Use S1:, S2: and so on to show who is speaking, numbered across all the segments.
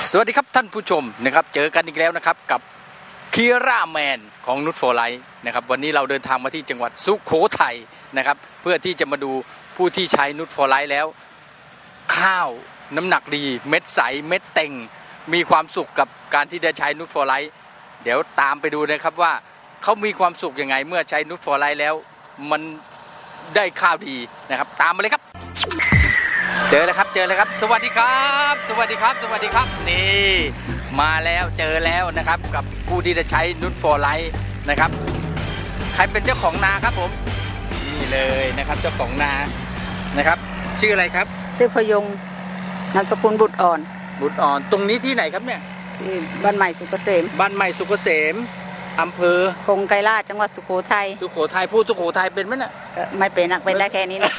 S1: สวัสดีครับท่านผู้ชมนะครับเจอกันอีกแล้วนะครับกับคีร่าแมนของนุชโฟไลท์นะครับวันนี้เราเดินทางมาที่จังหวัดสุโขทัยนะครับเพื่อที่จะมาดูผู้ที่ใช้นุชโฟไลท์แล้วข้าวน้ำหนักดีเม็ดใสเม็ดเต็งมีความสุขกับการที่ได้ใช้นุชโฟไลท์เดี๋ยวตามไปดูนะครับว่าเขามีความสุขยังไงเมื่อใช้นุชโฟไลท์แล้วมันได้ข้าวดีนะครับตามมาเลยครับเจอแล้วครับสวัสดีครับสวัสดีครับนี่มาแล้วเจอแล้วนะครับกับผู้ที่จะใช้นุชโฟไลท์นะครับใครเป็นเจ้าของนาครับผมนี่เลยนะครับเจ้าของนานะครับชื่ออะไรครับ
S2: ชื่อพยงนามสกุลบุตรอ่อน
S1: ตรงนี้ที่ไหนครับเนี่ย
S2: ที่บ้านใหม่สุขเกษมอำเภอกงไกรลาชจังหวัดสุโขทัย
S1: พูดสุโขทัยเป็นไหมน่ะ
S2: ไม่เป็นเป็นได้แค่นี้นะ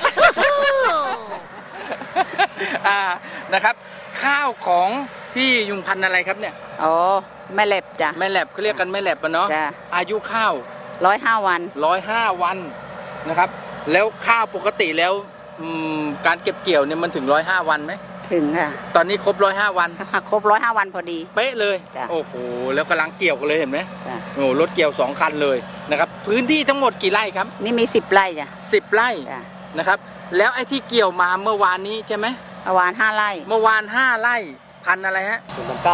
S1: นะครับข้าวของพี่ยุงพันธุ์อะไรครับเนี่ย
S2: อ๋อแม่แหลบจ้ะ
S1: แม่แหลบเขาเรียกกันแม่แหลบเนาะอายุข้าว
S2: 105 วัน
S1: นะครับแล้วข้าวปกติแล้วการเก็บเกี่ยวเนี่ยมันถึง105 วันไหม
S2: ถึงค่ะ
S1: ตอนนี้ครบ105 วัน
S2: ครบ105 วันพอดี
S1: เป๊ะเลยโอ้โหแล้วกำลังเกี่ยวกันเลยเห็นไหมโอ้รถเกี่ยว2 คันเลยนะครับพื้นที่ทั้งหมดกี่ไร่ครับ
S2: นี่มี10 ไร่จ้ะ
S1: 10 ไร่นะครับแล้วไอ้ที่เกี่ยวมาเมื่อวานนี้ใช่ไหม
S2: เมื่อวาน5 ไร่
S1: 5 ไร่พันอะไรฮะ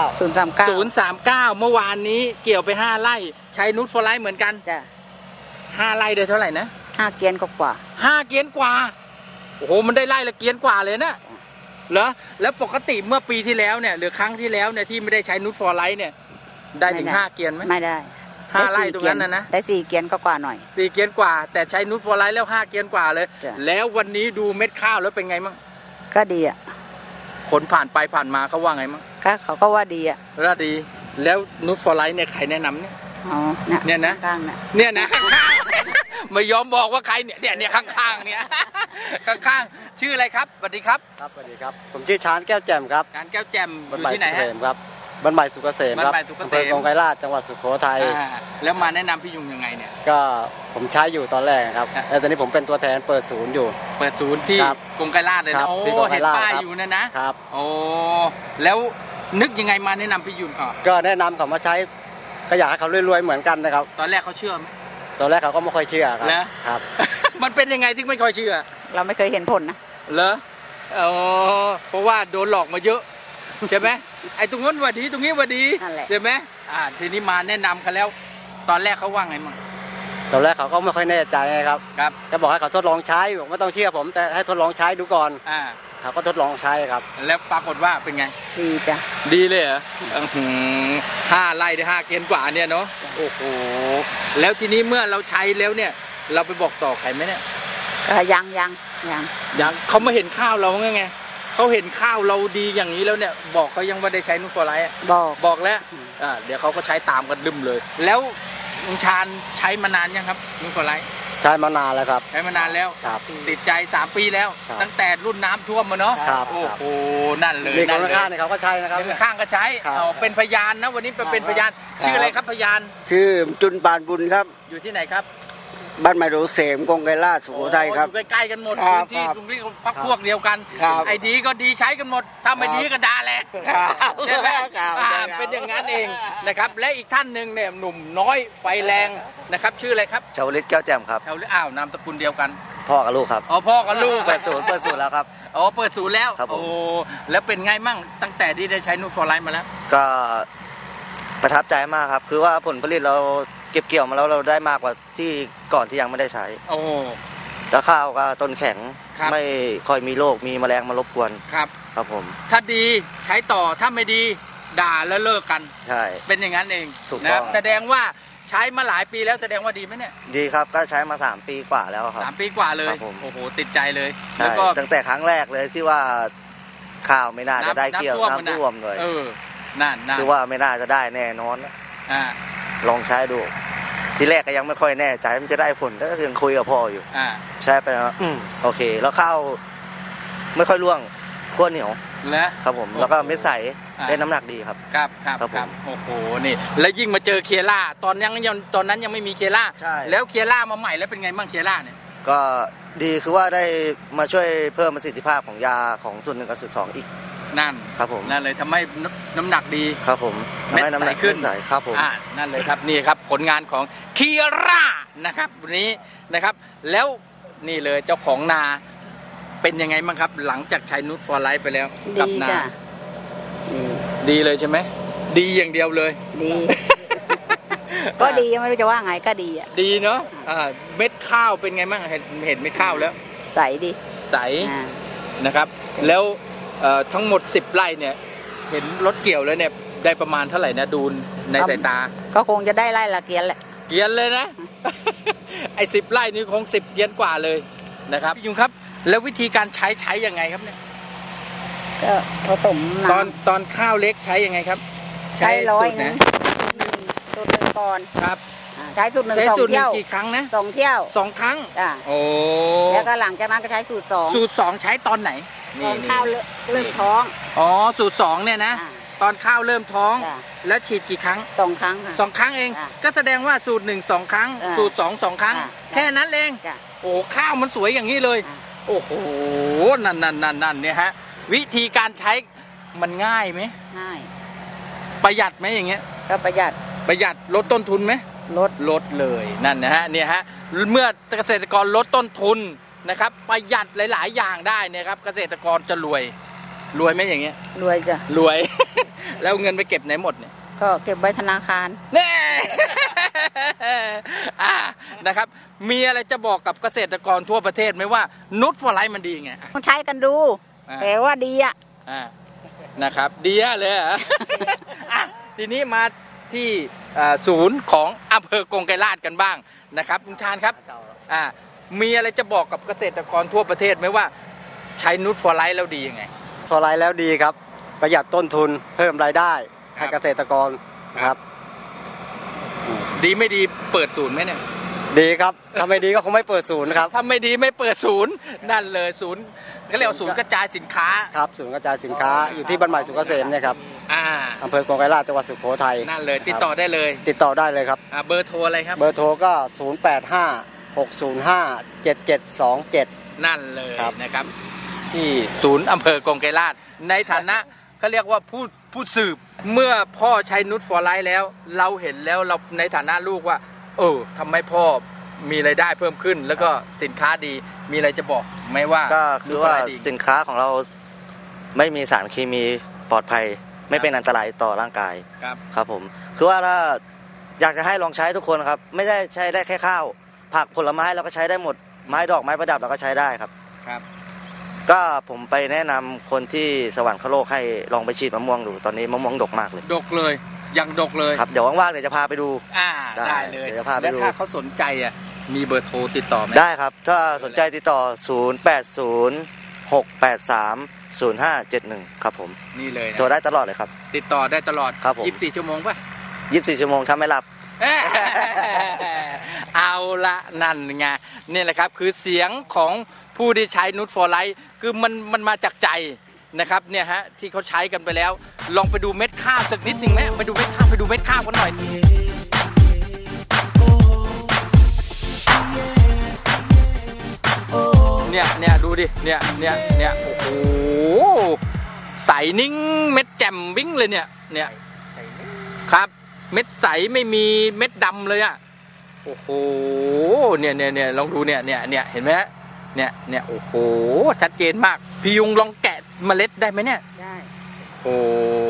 S2: 039
S1: เมื่อวานนี้เกี่ยวไป5 ไร่ใช้นุชโฟไลท์เหมือนกัน
S2: จ้ะ
S1: 5 ไร่ได้เท่าไหร่นะ
S2: 5 เกียนกว่า
S1: 5 เกียนกว่าโอ้โหมันได้ไร่ละเกียนกว่าเลยนะเหรอแล้วปกติเมื่อปีที่แล้วเนี่ยหรือครั้งที่แล้วเนี่ยที่ไม่ได้ใช้นุชโฟไลท์เนี่ยได้ถึง5 เกียนไหม
S2: ไม่ได้
S1: 5 ไร่ตรงนั้นนะ
S2: ได้4 เกียนกว่าหน่อย
S1: 4 เกียนกว่าแต่ใช้นุชโฟไลท์แล้ว5 เกียนกว่าเลยแล้ววันนี้ดูเม็ดข้าวแล้วเป็นไงมั่ง
S2: ก็ดีอ่ะ
S1: คนผ่านไปผ่านมาเขาว่าไงมั่ง
S2: เขาก็ว่าดีอ่ะ
S1: ว่าดีแล้วนุชโฟไลท์เนี่ยใครแนะนำเนี่ย
S2: อ๋อ
S1: เนี่ยนะเนี่ยนะไม่ยอมบอกว่าใครเนี่ยข้างๆเนี่ยข้างๆชื่ออะไรครับสวัสดีครับ
S3: ครับสวัสดีครับผมชื่อชานแก้วแจ่มครับ
S1: ชานแก้วแจ่มอยู่ที่ไหนฮะ
S3: ครับบ้านใหม่สุขเกษมครับอำเภอกงไกรลาชจังหวัดสุโขทัย
S1: แล้วมาแนะนำพี่ยุงยังไงเนี่ย
S3: ก็ผมใช้อยู่ตอนแรกครับแต่ตอนนี้ผมเป็นตัวแทนเปิดศูนย์อยู่
S1: เปิดศูนย์ที่กงไกรลาชเลยนะโอ้เห็นป้ายอยู่นะครับโอ้แล้วนึกยังไงมาแนะนำพี่ยุง
S3: ก็แนะนำเขามาใช้ก็อยากให้เขารวยๆเหมือนกันนะครับ
S1: ตอนแรกเขาเชื่อไหม
S3: ตอนแรกเขาก็ไม่ค่อยเชื่อครับ
S1: มันเป็นยังไงที่ไม่ค่อยเชื่อ
S2: เราไม่เคยเห็นผลนะ
S1: เหรอเพราะว่าโดนหลอกมาเยอะใช่ไหมไอ้ตรงนู้นว่าดีตรงนี้ว่าดีใช่ไหมทีนี้มาแนะนำกันแล้วตอนแรกเขาว่าไงมั่ง
S3: ตอนแรกเขาก็ไม่ค่อยแน่ใจครับก็บอกให้เขาทดลองใช้บอกไม่ต้องเชื่อผมแต่ให้ทดลองใช้ดูก่อนเขาก็ทดลองใช้ครับ
S1: แล้วปรากฏว่าเป็นไง
S2: ดีจ้ะ
S1: ดีเลยเหรอ5 ไร่ได้5 เกียนกว่าเนี่ยเนาะโอ้โหแล้วทีนี้เมื่อเราใช้แล้วเนี่ยเราไปบอกต่อใครไหมเนี่ย
S2: ยัง
S1: เขามาเห็นข้าวเราไงเขาเห็นข้าวเราดีอย่างนี้แล้วเนี่ยบอกเขายังว่าได้ใช้นุชโฟไลท์บอกแล้วเดี๋ยวเขาก็ใช้ตามกันดึมเลยแล้วลุงชาญใช้มานานยังครับนุชโฟไลท์
S3: ใช้มานานแล้วครับ
S1: ใช้มานานแล้วติดใจ3 ปีแล้วตั้งแต่รุ่นน้ำท่วมมาเนาะโอ้โหนั่นเลย
S3: นี่ข้างๆเขาก็ใช้นะครับ
S1: ข้างก็ใช้เป็นพยานนะวันนี้เป็นพยานชื่ออะไรครับพยาน
S4: ชื่อจุนปานบุญครับ
S1: อยู่ที่ไหนครับ
S4: บ้านใหม่สุขเกษมกงไกรลาชสุโขทัยครับ
S1: อยู่ใกล้ๆกันหมดพื้นที่ตรงนี้พักพวกเดียวกันไอ้ดีก็ดีใช้กันหมดถ้าไม่ดีก็ด่าแหละใช่ไหมเป็นอย่างนั้นเองนะครับและอีกท่านหนึ่งเนี่ยหนุ่มน้อยไฟแรงนะครับชื่ออะไรครับ
S3: ชาวลิศแก้วแจ่มครับ
S1: ชาวลิศนามสกุลเดียวกัน
S3: พ่อกับลูกครับ
S1: พ่อกับลูก
S3: เปิดศูนย์แล้วครับ
S1: เปิดศูนย์แล้วโอ้แล้วเป็นไงมั่งตั้งแต่ที่ได้ใช้นุชโฟไลท์มาแล้ว
S3: ก็ประทับใจมากครับคือว่าผลผลิตเราเก็บเกี่ยวมาแล้วเราได้มากกว่าที่ก่อนที่ยังไม่ได้ใช้แล้วข้าวก็ต้นแข็งไม่ค่อยมีโรคมีแมลงมารบกวนครับผม
S1: ถ้าดีใช้ต่อถ้าไม่ดีด่าแล้วเลิกกัน
S3: ใช่
S1: เป็นอย่างนั้นเองนะแสดงว่าใช้มาหลายปีแล้วแสดงว่าดีไหมเนี่ย
S3: ดีครับก็ใช้มา3 ปีกว่าแล้วครับ
S1: 3 ปีกว่าเลยโอ้โหติดใจเลย
S3: แล้วก็ตั้งแต่ครั้งแรกเลยที่ว่าข้าวไม่น่าจะได้เกี่ยวน้ำท่วมเลย
S1: นั่น
S3: คือว่าไม่น่าจะได้แน่นอนลองใช้ดูทีแรกก็ยังไม่ค่อยแน่ใจมันจะได้ผลก็ยังคุยกับพ่ออยู่ใช่ไปแล้วโอเคแล้วข้าวไม่ค่อยร่วงขั้วเหนียวครับผมแล้วก็เม็ดใสได้น้ำหนักดีครับ
S1: ครับโอ้โหนี่แล้วยิ่งมาเจอเคียร่าตอนนั้นยังไม่มีเคียร่าแล้วเคียร่ามาใหม่แล้วเป็นไงบ้างเคียร่าเนี่ย
S3: ก็ดีคือว่าได้มาช่วยเพิ่มประสิทธิภาพของยาของส่วน1 กับส่วน 2อีก
S1: นั่น
S3: ครับผม
S1: นั่นเลยทำให้น้ำหนักดี
S3: ครับผม
S1: เม็ด
S3: ทำให้น้ำหนัก
S1: ใสขึ้น
S3: ใสครับผม
S1: นั่นเลยครับนี่ครับผลงานของคีร่านะครับวันนี้นะครับแล้วนี่เลยเจ้าของนาเป็นยังไงบ้างครับ หลังจากใช้นูตฟอร์ไลท์ไปแล้วกั
S2: ดี
S1: นา
S2: จ้ะ
S1: ดีเลยใช่ไหมดีอย่างเดียวเลย
S2: ดี ก็ดีไม่รู้จะว่าไงก็ดีอ่ะ
S1: ดีเนาะเม็ดข้าวเป็นไงบ้างเห็นเม็ดข้าวแล้ว
S2: ใสดี
S1: ใส
S2: อ่า
S1: นะครับแล้วทั้งหมด10 ไร่เนี่ยเห็นรถเกี่ยวแล้วเนี่ยได้ประมาณเท่าไหร่นะดูในสายตา
S2: ก็คงจะได้ไล่ละเกียนแหละ
S1: เกียนเลยนะ ไอ้10 ไร่นี่คง10 เกียนกว่าเลยนะครับพี่ยุงครับแล้ววิธีการใช้ยังไงครับเนี่ย
S2: ก็ผสมน้ำ
S1: ตอนข้าวเล็กใช้ยังไงครับ
S2: ใช้ร้อย
S1: สูต
S2: นึง
S1: นะ
S2: สูตรหนึ่งก่อน
S1: ครับ
S2: ใช้สูตรหนึ่ง
S1: ใช้
S2: สอง
S1: สูตรหนึ่
S2: เที่
S1: ง
S2: ยว
S1: กี่ครั้งนะ
S2: 2 เที่ยว
S1: 2 ครั้ง
S2: จ้ะ
S1: โอ้
S2: แล้วก็หลังจากนั้นก็ใช้สูตร2
S1: สูตร2ใช้ตอนไหน
S2: ตอนข้าวเริ่มท้อง
S1: อ๋อสูตร2เนี่ยนะ
S2: อ่า
S1: ตอนข้าวเริ่มท้อง
S2: จ้ะ
S1: แล้วฉีดกี่ครั้ง
S2: 2 ครั้งค่ะ
S1: 2 ครั้งเอง
S2: อ่า
S1: ก็แสดงว่าสูตร1 2 ครั้ง
S2: อ่า
S1: สูตร2 2 ครั้ง
S2: อ่า
S1: แค่นั้นเอง
S2: จ้ะ
S1: โอ้ข้าวมันสวยอย่างนี้เลย
S2: อ่า
S1: โอ้โหนั่นเนี่ยฮะวิธีการใช้มันง่ายไหม
S2: ง่าย
S1: ประหยัดไหมอย่างเงี้ย
S2: ก็ประหยัด
S1: ประหยัดลดต้นทุนไหม ลดเลยนั่นนะฮะเนี่ยฮะเมื่อเกษตรกรลดต้นทุนนะครับประหยัดหลาย ๆ อย่างได้เนี่ยครับเกษตรกรจะรวยไหมอย่างเงี้ย
S2: รวยจ้ะ
S1: รวย แล้วเงินไปเก็บไหนหมดเนี่ย
S2: ก็เก็บไว้ธนาคาร
S1: แน่ นะครับมีอะไรจะบอกกับเกษตรกรทั่วประเทศไหมว่านูตฟอร์ไลท์มันดีไง
S2: ต้องใช้กันดู
S1: อ่า
S2: แต่ว่าดีอ่ะ
S1: นะครับดีเลยเหรอ ทีนี้มาที่ศูนย์ของอำเภอกงไกรลาษกันบ้างนะครับลุงชาญครับมีอะไรจะบอกกับเกษตรกรทั่วประเทศไหมว่าใช้นูตฟอร์ไลท์แล้วดียังไง
S4: ฟอร์ไลท์แล้วดีครับ ประหยัดต้นทุนเพิ่มรายได้ให้เกษตรกรครับ
S1: ดีไม่ดีเปิดศูนย์ไหมเนี่ย
S4: ดีครับถ้าไม่ดีก็คงไม่เปิดศูนย์ครับ
S1: ถ้าไม่ดีไม่เปิดศูนย์นั่นเลยศูนย์ก็เรียกว่าศูนย์กระจายสินค้า
S4: ครับศูนย์กระจายสินค้าอยู่ที่บ้านใหม่สุขเกษมเนี่ยครับ
S1: อ่า
S4: อำเภอกงไกรลาษจังหวัดสุโขทัย
S1: นั่นเลยติดต่อได้เลย
S4: ติดต่อได้เลยครับ
S1: เบอร์โทรอะไรครับ
S4: เบอร์โทรก็ 0856057727
S1: นั่นเลย
S4: ครับ
S1: นะครับ ที่ศูนย์อำเภอกงไกรลาษในฐานะเขาเรียกว่าผู้สืบเมื่อพ่อใช้นูตฟอร์ไลท์แล้ว เราเห็นแล้วเราในฐานะลูกว่าทำให้พ่อมีรายได้เพิ่มขึ้น แล้วก็สินค้าดีมีอะไรจะบอกไหมว่า
S3: ก็คือว่า
S1: นูตฟร์ไลท์ดี
S3: สินค้าของเราไม่มีสารเคมีปลอดภัย ไม่เป็นอันตรายต่อร่างกาย
S1: ครับ
S3: ครับผมคือว่าถ้าอยากจะให้ลองใช้ทุกคนครับไม่ได้ใช้ได้แค่ข้าวผักผลไม้เราก็ใช้ได้หมดไม้ดอกไม้ประดับเราก็ใช้ได้ครับ
S1: ครับ
S3: ก็ผมไปแนะนำคนที่สวรรคโลกให้ลองไปฉีดมะม่วงดูตอนนี้มะม่วงดกมากเลย
S1: ดกเลยยังดกเลย
S3: ครับเดี๋ยวว่างๆเดี๋ยวจะพาไปดู
S1: ได้เลย
S3: เดี๋ยวจะพาไปดู
S1: แล้วถ้าเขาสนใจมีเบอร์โทรติดต่อไหม
S3: ได้ครับถ้าสนใจติดต่อ 0806830571 ครับผม
S1: นี่เลยนะ
S3: โทรได้ตลอดเลยครับ
S1: ติดต่อได้ตลอด
S3: ครับผม
S1: 24 ชั่วโมงป่ะ
S3: 24 ชั่วโมงถ้าไม่หลับ
S1: เอาละนั่นไงนี่แหละครับคือเสียงของผู้ที่ใช้นูตฟอร์ไลท์คือมันมาจากใจนะครับเนี่ยฮะที่เขาใช้กันไปแล้ว ลองไปดูเม็ดข้าวสักนิดหนึ่งไหมไปดูเม็ดข้าวกันหน่อยเนี่ยดูดิเนี่ยโอ้โหใสนิ่งเม็ดแจ่มวิ่งเลยเนี่ยครับเม็ดใสไม่มีเม็ดดำเลยอ่ะโอ้โหเนี่ยลองดูเนี่ยเห็นไหมฮะเนี่ยโอ้โหชัดเจนมากพี่ยุงลองแกะเมล็ดได้ไหมเนี่ย
S2: ได้
S1: โอ้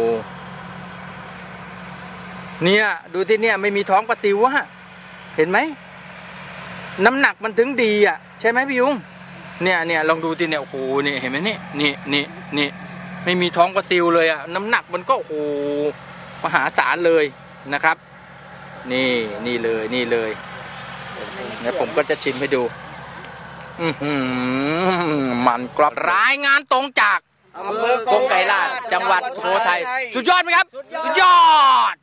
S1: เนี่ยดูที่เนี่ยไม่มีท้องปลาซิวอะเห็นไหมน้ำหนักมันถึงดีอ่ะใช่ไหมพี่ยุงเนี่ยลองดูที่เนี่ยโอ้โหเนี่ยเห็นไหมนี่ไม่มีท้องปลาซิวเลยอ่ะน้ำหนักมันก็โอ้โหมหาศาลเลยนะครับนี่เลยเดี๋ยวผมก็จะชิมให้ดูมันกรอบรายงานตรงจากกงไกรลาษจังหวัดสุโขทัยสุดยอดไหมครับสุดยอด